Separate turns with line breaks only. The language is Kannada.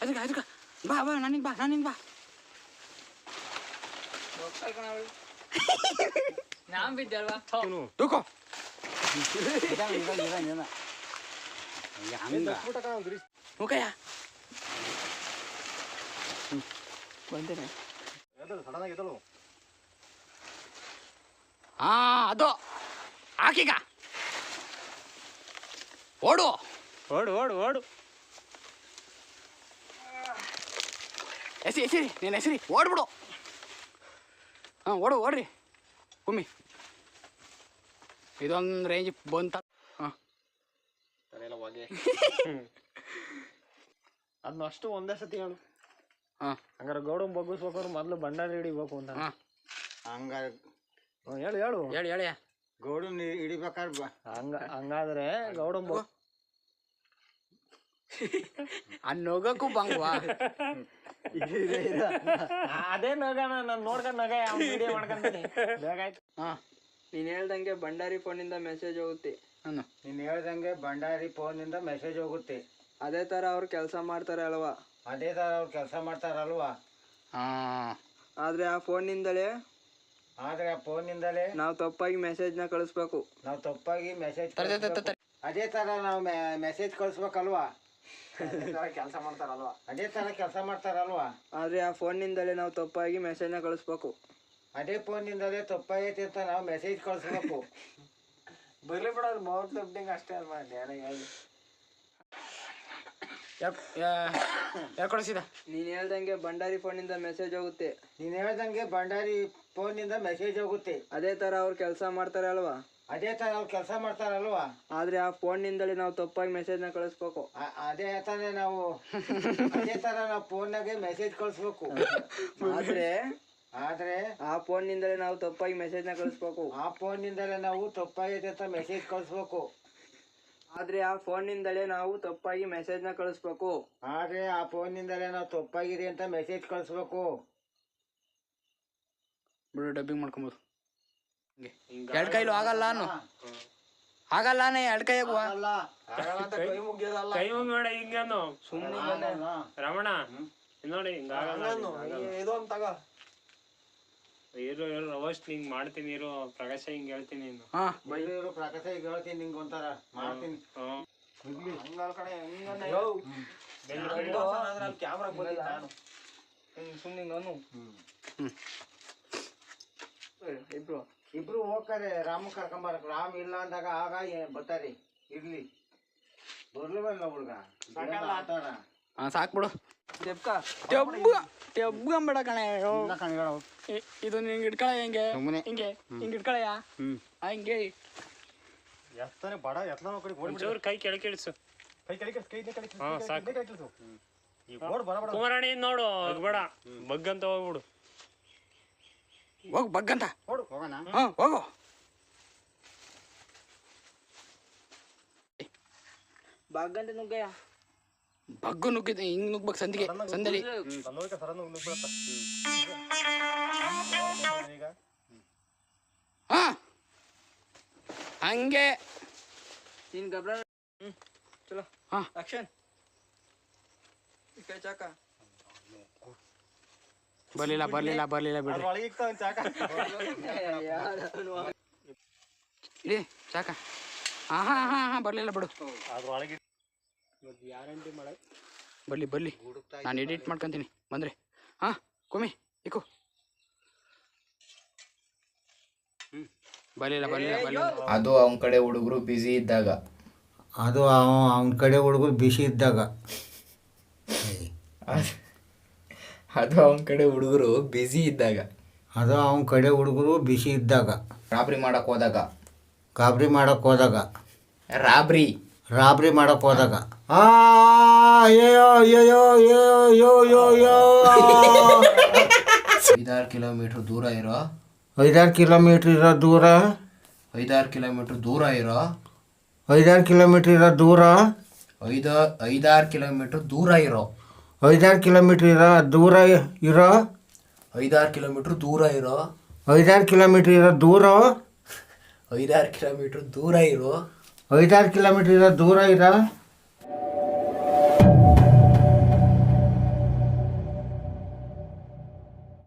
ಅದಕ್ಕೆ ಬಾ ಬಾ ನನಗೆ ಬಾ
ನಾನ್ ಬಿದ್ದಲ್ವಾ
ತೂಕೋ ಮುಖಯ್ಯ ಬಂದೇನೆ ಅದು ಹಾಕೀಗ ಓಡು ಎಸಿರಿ ನೀನು ಹೆಸರಿ ಓಡ್ಬಿಡು ಓಡ್ರಿ ಕುಮ್ಮಿ ಇದೊಂದು ರೇಂಜ್ ಬಂತ
ಅದನ್ನ ಅಷ್ಟು ಒಂದೇ ಸತಿ ಹೇಳು. ಹಂಗಾರೆ ಗೌಡನ್ ಬಗ್ಗಿಸ್ಬೇಕಾದ್ರೆ ಮೊದ್ಲು ಭಂಡಾರಿ ಹಿಡಿಬೇಕು ಅಂತ.
ಹಂಗಾರೆ
ಹೇಳು
ಹೇಳಿ
ಗೌಡನ್ ಹಿಡಿಬೇಕಾದ್ರೆ
ಹಂಗಾದ್ರೆ ಗೌಡನ್
ನೊಗಕ್ಕೂ ಬಂಗ್ವಾ
ಅದೇ ನಗನ ನಾನು ನೋಡ್ಕೊಂಡ್ ನಗ ವಿಡಿಯೋ ಮಾಡ್ಕೊಂತೀನಿ. ಬೇಕಾಯ್ತು.
ನೀನ್ ಹೇಳ್ದಂಗೆ ಭಂಡಾರಿ ಫೋನಿಂದ ಮೆಸೇಜ್ ಹೋಗುತ್ತೆ.
ನೀನ್ ಹೇಳ್ದಂಗೆ ಭಂಡಾರಿ ಫೋನಿಂದ ಮೆಸೇಜ್ ಹೋಗುತ್ತೆ.
ಅದೇ ತರ ಅವ್ರು ಕೆಲಸ ಮಾಡ್ತಾರೆ ಅಲ್ವಾ?
ಅದೇ ತರ ಅವ್ರು ಕೆಲಸ ಮಾಡ್ತಾರಲ್ವಾ?
ಆದ್ರೆ ಆ ಫೋನಿಂದಲೇ ನಾವು ತಪ್ಪಾಗಿ ಮೆಸೇಜ್ ನ ಕಳಿಸ್ಬೇಕು.
ಅದೇ ತರ ನಾವು ಮೆಸೇಜ್ ಕಳಿಸ್ಬೇಕಲ್ವಾ? ಕೆಲಸ ಮಾಡ್ತಾರಲ್ವಾ? ಅದೇ ತರ ಕೆಲಸ ಮಾಡ್ತಾರಲ್ವಾ?
ಆದ್ರೆ ಆ ಫೋನಿಂದಲೇ ನಾವು ತಪ್ಪಾಗಿ ಮೆಸೇಜ್ ನ ಕಳಿಸ್ಬೇಕು.
ಅದೇ ಫೋನಿಂದಲೇ ತಪ್ಪಾಗೈತಿ ಅಂತ ನಾವು ಮೆಸೇಜ್ ಕಳಿಸ್ಬೇಕು.
ಬರ್ಲಿ ಬಿಡೋದು ಮೌತ್ ಲಿಫ್ಟಿಂಗ್ ಅಷ್ಟೇ ಅಲ್ವಾ?
ಯಾರು ಕಳಿಸಿದ?
ನೀನ್ ಹೇಳ್ದಂಗೆ ಭಂಡಾರಿ ಫೋನಿಂದ ಮೆಸೇಜ್ ಹೋಗುತ್ತೆ. ಅದೇ ತರ ಅವ್ರು ಕೆಲಸ ಮಾಡ್ತಾರೆ ಅಲ್ವಾ? ಆದ್ರೆ ಆ ಫೋನ್ನಿಂದಲೇ ನಾವು ತಪ್ಪಾಗಿ ಮೆಸೇಜ್ ನ ಕಳಿಸ್ಬೇಕು.
ಅದೇ ತರ ನಾವು ಫೋನ್ನಾಗೆ ಮೆಸೇಜ್ ಕಳಿಸ್ಬೇಕು. ಆದ್ರೆ
ಆ ಫೋನ್ನಿಂದಲೇ ನಾವು ತಪ್ಪಾಗಿ ಮೆಸೇಜ್ ನ ಕಳಿಸ್ಬೇಕು. ಆದ್ರೆ ಆ ಫೋನ್ನಿಂದಲೇ ನಾವು ತಪ್ಪಾಗಿ ಮೆಸೇಜ್ ನ ಕಳಿಸ್ಬೇಕು.
ಬಿಡು, ಡಬ್ಬಿಂಗ್ ಮಾಡ್ಕೊಬೋದು. ಎರಡು ಕೈಲು ಆಗಲ್ಲ ಎರಡು ಕೈ ಆಗುವ
ಕೈ ಮುಗಿಬೇಡ ಹಿಂಗೇನು ಸುಮ್ಮನೆ ರಮಣ ನೋಡಿ ಇರು ಅವಷ್ಟು ಹಿಂಗ್ ಮಾಡ್ತೀನಿ ಇರು ಪ್ರಕಾಶ ಹಿಂಗ್ ಹೇಳ್ತೀನಿ
ಪ್ರಕಾಶ ಈಗ ಹೇಳ್ತೀನಿ ನಿಂಗೆ ಒಂಥರ ಮಾಡ್ತೀನಿ.
ಕ್ಯಾಮ್ರಾ ಸುಮ್ಮನೆ
ಇಬ್ರು ಹೋಗ್ತಾರೆ. ರಾಮ ಕರ್ಕೊಂಬರಕ್ ರಾಮ್ ಇಲ್ಲ ಅಂದಾಗ ಆಗ ಬರ್ತಾರೆ. ಇರ್ಲಿ ಬರ್ಲಿವಲ್ಲ ಹುಡ್ಗ
ಸಾಕ್ಬಿಡು. ಬೇಡ ಕಣೆ, ಇದು ನಿಂಗೆ ಇಟ್ಕೊಳ ಹಿಂಗೆ ಇಟ್ಕೊಳಯ್ಯ ಹಿಂಗೆ
ಎತ್ತಾನೆ ಬಡ ಎತ್ತನ ಕೈ ಕೆಳಗೆ ಇಳಿಸು. ಕುಮಾರಾಣಿ ನೋಡು ಬೇಡ ಬಗ್ಗಂತ ಹೋಗ್ಬಿಡು.
ಹೋಗು ಬಗ್ಗಂತ ಹೋಗು.
ಬಾಗಂತ ನುಗ್ಗಯ್ಯ
ಬಗ್ಗು ನುಗ್ಗಿದ ಹಿಂಗ್ ನುಗ್ಬೇಕು ಸಂದಲ್ಲಿ ಹಂಗೆ
ನೀನ್ ಗಬ್ರ ಚಲೋ ಆಕ್ಷನ್ ಚಾಕ
ಬರ್ಲಿಲ್ಲ ಬಿಡ್ರಿ ಇಡಿ ಚಾಕ. ಹಾ ಬರ್ಲಿಲ್ಲ ಬಿಡು. ಬರ್ಲಿ ನಾನು ಎಡಿಟ್ ಮಾಡ್ಕೊಂತೀನಿ ಬಂದ್ರೆ. ಕುಮಿ ಇಕ್ಕು. ಬರ್ಲಿಲ್ಲ
ಅದು ಅವನ ಕಡೆ ಹುಡುಗರು ಬಿಸಿ ಇದ್ದಾಗ ಅದು ಅವನ ಕಡೆ ಹುಡುಗರು ಬಿಸಿ ಇದ್ದಾಗ ರಾಬ್ರಿ ಮಾಡಕ್ ಹೋದಾಗ ರಾಬ್ರಿ ಮಾಡಕ್ ಹೋದಾಗ 5-6 ಕಿಲೋಮೀಟರ್ ದೂರ ಇರೋ 5-6 ಕಿಲೋಮೀಟರ್ ದೂರ 5-6 ಕಿಲೋಮೀಟರ್ ದೂರ ಇರೋ 5-6 ಕಿಲೋಮೀಟರ್ ದೂರ 5-6 ಕಿಲೋಮೀಟರ್ ದೂರ ಇರೋ 5-6 ಕಿಲೋಮೀಟರ್ ದೂರ ಇರೋ 5-6 ಕಿಲೋಮೀಟರ್ ದೂರ ಇರೋ 5-6 ಕಿಲೋಮೀಟರ್ ದೂರ 5-6 ಕಿಲೋಮೀಟರ್ ದೂರ ಇರೋ 5-6 ಕಿಲೋಮೀಟರ್ ದೂರ ಇರೋ